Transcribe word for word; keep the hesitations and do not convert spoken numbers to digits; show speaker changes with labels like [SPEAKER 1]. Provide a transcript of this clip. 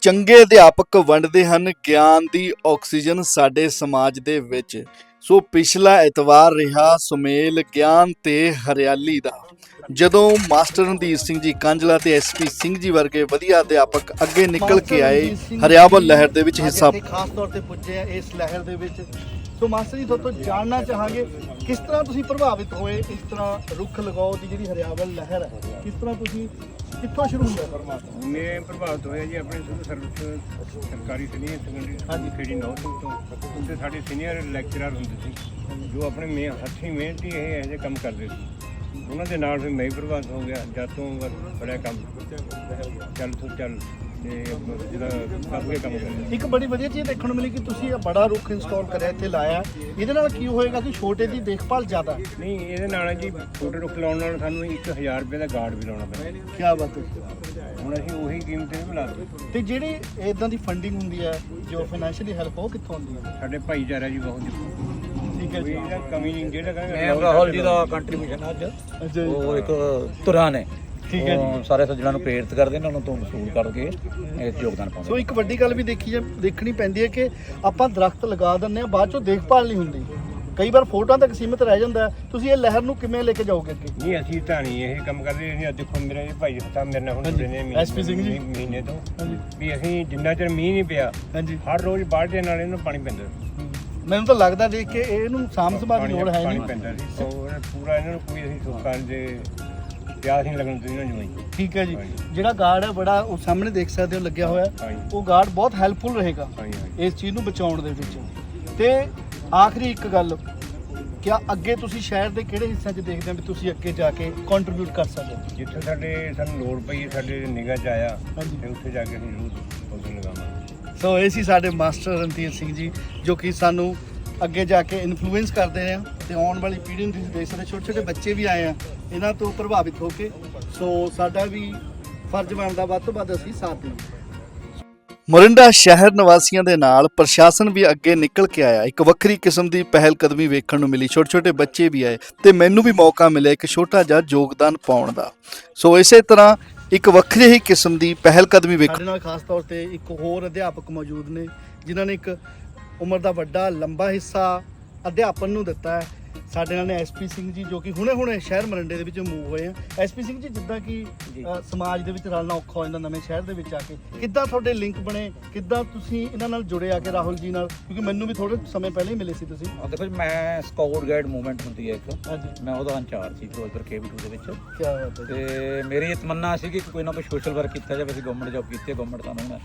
[SPEAKER 1] ਚੰਗੇ ਅਧਿਆਪਕ ਵੰਡਦੇ ਹਨ ਗਿਆਨ ਦੀ ਆਕਸੀਜਨ ਸਾਡੇ ਸਮਾਜ ਦੇ ਵਿੱਚ। ਸੋ ਪਿਛਲਾ ਐਤਵਾਰ ਰਿਹਾ ਸੁਮੇਲ ਗਿਆਨ ਤੇ ਹਰਿਆਲੀ ਦਾ, ਜਦੋਂ ਮਾਸਟਰ ਰਣਧੀਰ ਸਿੰਘ ਜੀ ਕਾਂਝਲਾ ਤੇ ਐਸਪੀ ਸਿੰਘ ਜੀ ਵਰਗੇ ਵਧੀਆ ਅਧਿਆਪਕ ਅੱਗੇ ਨਿਕਲ ਕੇ ਆਏ ਹਰਿਆਵਲ ਲਹਿਰ ਦੇ ਵਿੱਚ ਹਿੱਸਾ।
[SPEAKER 2] ਖਾਸ ਤੌਰ ਤੇ ਪੁੱਜੇ ਆ ਇਸ ਲਹਿਰ ਦੇ ਵਿੱਚ। ਸੋ ਮਾਸਟਰ ਜੀ ਤੋਂ ਜਾਣਨਾ ਚਾਹਾਂਗੇ ਕਿਸ ਤਰ੍ਹਾਂ ਤੁਸੀਂ ਪ੍ਰਭਾਵਿਤ ਹੋਏ ਇਸ ਤਰ੍ਹਾਂ ਰੁੱਖ ਲਗਾਓ ਦੀ ਜਿਹੜੀ ਹਰਿਆਵਲ ਲਹਿਰ ਹੈ, ਕਿਸ ਤਰ੍ਹਾਂ ਤੁਸੀਂ ਕਿੱਥੋਂ ਸ਼ੁਰੂ ਹੋਇਆ ਪਰਮਾਤਮਾ?
[SPEAKER 3] ਮੈਂ ਪ੍ਰਭਾਵਿਤ ਹੋਇਆ ਜੀ ਆਪਣੇ ਸਿਵਲ ਸਰਵਿਸ ਸਰਕਾਰੀ ਸੀਨੀਅਰ ਸੈਕੰਡਰੀ ਸਕੂਲ ਖੇੜੀ ਨੌ ਤੋਂ ਉੱਥੇ ਸਾਡੇ ਸੀਨੀਅਰ ਲੈਕਚਰਰ ਹੁੰਦੇ ਸੀ ਜੋ ਆਪਣੇ ਮੇ ਹੱਥੀਂ ਮਿਹਨਤੀ ਇਹ ਇਹੋ ਜਿਹੇ ਕੰਮ ਕਰਦੇ ਸੀ। ਉਹਨਾਂ ਦੇ ਨਾਲ ਫਿਰ ਮੈਂ ਵੀ ਪ੍ਰਭਾਵਿਤ ਹੋ ਗਿਆ। ਜਦ ਤੋਂ ਬੜਾ ਕੰਮ ਚੱਲ ਤੋਂ ਚੱਲ ਤੇ ਜਿਹੜਾ ਅੱਗੇ ਕੰਮ ਕਰਿਆ।
[SPEAKER 2] ਇੱਕ ਬੜੀ ਵਧੀਆ ਚੀਜ਼ ਦੇਖਣ ਨੂੰ ਮਿਲੀ ਕਿ ਤੁਸੀਂ ਇਹ ਬੜਾ ਰੁੱਖ ਇੰਸਟਾਲ ਕਰਿਆ ਇੱਥੇ ਲਾਇਆ। ਇਹਦੇ ਨਾਲ ਕੀ ਹੋਏਗਾ ਕਿ ਛੋਟੇ ਦੀ ਦੇਖਭਾਲ ਜ਼ਿਆਦਾ?
[SPEAKER 3] ਨਹੀਂ, ਇਹਦੇ ਨਾਲ ਜੀ ਛੋਟੇ ਰੁੱਖ ਲਾਉਣ ਨਾਲ ਸਾਨੂੰ ਇੱਕ ਹਜ਼ਾਰ ਰੁਪਏ ਦਾ ਗਾਰਡ ਵੀ ਲਾਉਣਾ ਪੈਂਦਾ।
[SPEAKER 2] ਕੀ ਬਾਤ ਹੈ।
[SPEAKER 3] ਹੁਣ ਅਸੀਂ ਉਹੀ ਕੀਮਤ ਤੇ ਬੁਲਾ ਦਿੱਤੀ।
[SPEAKER 2] ਤੇ ਜਿਹੜੀ ਇਦਾਂ ਦੀ ਫੰਡਿੰਗ ਹੁੰਦੀ ਹੈ ਜੋ ਫਾਈਨੈਂਸ਼ੀਅਲੀ ਹੈਲਪ ਉਹ ਕਿੱਥੋਂ ਆਉਂਦੀ ਹੈ?
[SPEAKER 3] ਸਾਡੇ ਭਾਈਚਾਰਾ ਜੀ ਬਹੁਤ
[SPEAKER 2] ਠੀਕ ਹੈ ਜੀ।
[SPEAKER 3] ਇਹਦਾ ਕਮੀ ਨਹੀਂ ਜਿਹੜਾ
[SPEAKER 4] ਮੈਂ ਰਾਹੁਲ ਜੀ ਦਾ ਕੰਟਰੀਬਿਊਸ਼ਨ ਅੱਜ
[SPEAKER 2] ਅੱਛਾ ਜੀ।
[SPEAKER 4] ਉਹ ਇੱਕ ਤੁਰਾਂ ਨੇ
[SPEAKER 2] ਠੀਕ ਹੈ ਜੀ।
[SPEAKER 4] ਸਾਰੇ ਸੱਜਣਾਂ ਨੂੰ ਪ੍ਰੇਰਿਤ ਕਰਦੇ ਨੇ, ਉਹਨਾਂ ਤੋਂ ਵਸੂਲ ਕਰਕੇ ਇਸ ਯੋਗਦਾਨ ਪਾਉਂਦੇ।
[SPEAKER 2] ਸੋ ਇੱਕ ਵੱਡੀ ਗੱਲ ਵੀ ਦੇਖੀ ਜਾ ਦੇਖਣੀ ਪੈਂਦੀ ਹੈ ਕਿ ਆਪਾਂ ਦਰਖਤ ਲਗਾ ਦਿੰਦੇ ਆ, ਬਾਅਦ ਚੋਂ ਦੇਖਭਾਲ ਨਹੀਂ ਹੁੰਦੀ। ਕਈ ਵਾਰ ਫੋਟੋਆਂ ਤੱਕ ਸੀਮਿਤ ਰਹਿ ਜਾਂਦਾ। ਤੁਸੀਂ ਇਹ ਲਹਿਰ ਨੂੰ ਕਿਵੇਂ ਲੈ ਕੇ ਜਾਓਗੇ ਅੱਗੇ?
[SPEAKER 3] ਨਹੀਂ, ਅਸੀਂ ਤਾਂ ਨਹੀਂ ਇਹ ਕੰਮ ਕਰਦੇ। ਅਸੀਂ ਦੇਖੋ ਮੇਰੇ ਇਹ ਭਾਈ ਸਾਹਿਬ ਮੇਰੇ ਨਾਲ ਹੁਣ ਜੁੜੇ ਨੇ
[SPEAKER 2] ਐਸ ਪੀ ਸਿੰਘ ਜੀ।
[SPEAKER 3] ਮਹੀਨੇ ਤੋਂ
[SPEAKER 2] ਹਾਂਜੀ
[SPEAKER 3] ਵੀ ਅਸੀਂ ਜਿੰਨਾ ਚਿਰ ਮੀਂਹ ਨਹੀਂ ਪਿਆ
[SPEAKER 2] ਹਾਂਜੀ।
[SPEAKER 3] ਹਰ ਰੋਜ਼ ਬਾਲਟੀਆਂ ਨਾਲ ਇਹਨੂੰ ਪਾਣੀ ਪੈਂਦਾ
[SPEAKER 2] ਮੈਨੂੰ ਤਾਂ ਲੱਗਦਾ ਦੇਖ ਕੇ ਇਹਨੂੰ ਸਾਂਭ ਸੰਭਾਲ ਦੀ ਲੋੜ ਹੈ
[SPEAKER 3] ਪਾਣੀ
[SPEAKER 2] ਨਹੀਂ।
[SPEAKER 3] ਪੈਂਦਾ ਸੀ। ਔਰ ਪੂਰਾ ਇਹਨਾਂ ਨੂੰ ਕੋਈ ਅਸੀਂ ਸੁੱਕਾ ਦੇ ਪਿਆਸ ਨਹੀਂ ਲੱਗਣ ਦਿੰਦੇ ਇਹਨਾਂ ਨੂੰ।
[SPEAKER 2] ਠੀਕ ਹੈ ਜੀ। ਜਿਹੜਾ ਗਾਰਡ ਹੈ ਬੜਾ ਉਹ ਸਾਹਮਣੇ ਦੇਖ ਸਕਦੇ ਹੋ ਲੱਗਿਆ ਹੋਇਆ,
[SPEAKER 3] ਹਾਂਜੀ।
[SPEAKER 2] ਉਹ ਗਾਰਡ ਬਹੁਤ ਹੈਲਪਫੁਲ ਰਹੇਗਾ
[SPEAKER 3] ਹਾਂਜੀ ਹਾਂਜੀ
[SPEAKER 2] ਇਸ ਚੀਜ਼ ਨੂੰ ਬਚਾਉਣ ਦੇ ਵਿੱਚ। ਤੇ ਆਖਰੀ ਇੱਕ ਗੱਲ, ਕਿਆ ਅੱਗੇ ਤੁਸੀਂ ਸ਼ਹਿਰ ਦੇ ਕਿਹੜੇ ਹਿੱਸਿਆਂ 'ਚ ਦੇਖਦੇ ਹੋ ਵੀ ਤੁਸੀਂ ਅੱਗੇ ਜਾ ਕੇ ਕੰਟਰੀਬਿਊਟ ਕਰ ਸਕਦੇ ਹੋ?
[SPEAKER 3] ਜਿੱਥੇ ਸਾਡੇ ਸਾਨੂੰ ਲੋੜ ਪਈ ਸਾਡੇ ਨਿਗਾਹ 'ਚ ਆਇਆ
[SPEAKER 2] ਹਾਂਜੀ।
[SPEAKER 3] ਤੇ ਉੱਥੇ ਜਾ ਕੇ ਅਸੀਂ ਜ਼ਰੂਰ ਪੌਦੇ ਲਗਾਵਾਂਗੇ।
[SPEAKER 2] ਸੋ ਇਹ ਸੀ ਸਾਡੇ ਮਾਸਟਰ ਰਣਧੀਰ ਸਿੰਘ ਜੀ ਜੋ ਕਿ ਸਾਨੂੰ ਅੱਗੇ ਜਾ ਕੇ ਇਨਫਲੂਐਂਸ ਕਰਦੇ ਆ ਤੇ ਆਉਣ ਵਾਲੀ ਪੀੜ੍ਹੀ ਨੂੰ ਤੁਸੀਂ ਦੇਖ ਸਕਦੇ ਛੋਟੇ ਛੋਟੇ ਬੱਚੇ ਵੀ ਆਏ ਆ ਇਹਨਾਂ ਤੋਂ ਪ੍ਰਭਾਵਿਤ ਹੋ ਕੇ। ਸੋ ਸਾਡਾ ਵੀ ਫਰਜ਼ ਬਣਦਾ ਵੱਧ ਤੋਂ ਵੱਧ ਅਸੀਂ ਸਾਥ ਦੇਈਏ।
[SPEAKER 1] ਮੋਰਿੰਡਾ ਸ਼ਹਿਰ ਨਿਵਾਸੀਆਂ ਦੇ ਨਾਲ ਪ੍ਰਸ਼ਾਸਨ ਵੀ ਅੱਗੇ ਨਿਕਲ ਕੇ ਆਇਆ। ਇੱਕ ਵੱਖਰੀ ਕਿਸਮ ਦੀ ਪਹਿਲ ਕਦਮੀ ਵੇਖਣ ਨੂੰ ਮਿਲੀ। ਛੋਟੇ ਛੋਟੇ ਬੱਚੇ ਵੀ ਆਏ ਤੇ ਮੈਨੂੰ ਵੀ ਮੌਕਾ ਮਿਲਿਆ ਇੱਕ ਛੋਟਾ ਜਿਹਾ ਯੋਗਦਾਨ ਪਾਉਣ ਦਾ। ਸੋ ਇਸੇ ਤਰ੍ਹਾਂ ਇੱਕ ਵੱਖਰੀ ਹੀ ਕਿਸਮ ਦੀ ਪਹਿਲ ਕਦਮੀ ਵੇਖ
[SPEAKER 2] ਸਾਡੇ ਨਾਲ ਖਾਸ ਤੌਰ ਤੇ ਇੱਕ ਹੋਰ ਅਧਿਆਪਕ ਮੌਜੂਦ ਨੇ ਜਿਨ੍ਹਾਂ ਨੇ ਇੱਕ ਉਮਰ ਦਾ ਵੱਡਾ ਲੰਬਾ ਹਿੱਸਾ ਅਧਿਆਪਨ ਨੂੰ ਦਿੱਤਾ ਹੈ। ਸਾਡੇ ਨਾਲ ਨੇ ਐਸਪੀ ਸਿੰਘ ਜੀ ਜੋ ਕਿ ਹੁਣੇ ਹੁਣੇ ਸ਼ਹਿਰ ਮਰਿੰਡੇ ਦੇ ਵਿੱਚ ਮੂਵ ਹੋਏ ਆ। ਐਸਪੀ ਸਿੰਘ ਜੀ, ਜਿੱਦਾਂ ਕਿ ਅ, ਸਮਾਜ ਦੇ ਵਿੱਚ ਰਲਣਾ ਔਖਾ ਹੋ ਜਾਂਦਾ ਨਵੇਂ ਸ਼ਹਿਰ ਦੇ ਵਿੱਚ ਆ ਕੇ, ਕਿੱਦਾਂ ਤੁਹਾਡੇ ਲਿੰਕ ਬਣੇ? ਕਿੱਦਾਂ ਤੁਸੀਂ ਇਹਨਾਂ ਨਾਲ ਜੁੜੇ ਆ ਕੇ ਰਾਹੁਲ ਜੀ ਨਾਲ? ਕਿਉਂਕਿ ਮੈਨੂੰ ਵੀ ਥੋੜੇ ਸਮੇਂ ਪਹਿਲਾਂ ਹੀ ਮਿਲੇ ਸੀ ਤੁਸੀਂ।
[SPEAKER 4] ਆ ਦੇਖੋ ਜੀ, ਮੈਂ ਸਕਾਊਟ ਗਾਈਡ ਮੂਵਮੈਂਟ ਹੁੰਦੀ ਹੈ ਇੱਕ,
[SPEAKER 2] ਹਾਂਜੀ।
[SPEAKER 4] ਮੈਂ ਉਹਦਾ ਇੰਚਾਰਜ ਸੀ ਫਿਰੋਜ਼ਪੁਰ ਕੇ ਵੀ ਟੂ ਦੇ ਵਿੱਚ।
[SPEAKER 2] ਕੀ ਬਾਤ ਹੈ।
[SPEAKER 4] ਤੇ ਮੇਰੀ ਇਹ ਤਮੰਨਾ ਸੀ ਕਿ ਕੋਈ ਨਾ ਕੋਈ ਸੋਸ਼ਲ ਵਰਕ ਕੀਤਾ ਜਾਵੇ। ਅਸੀਂ ਗਵਰਨਮੈਂਟ ਜੌਬ ਕੀਤੀ ਹੈ, ਗਵਰਨਮੈਂਟ ਸਾਨੂੰ ਹੁਣ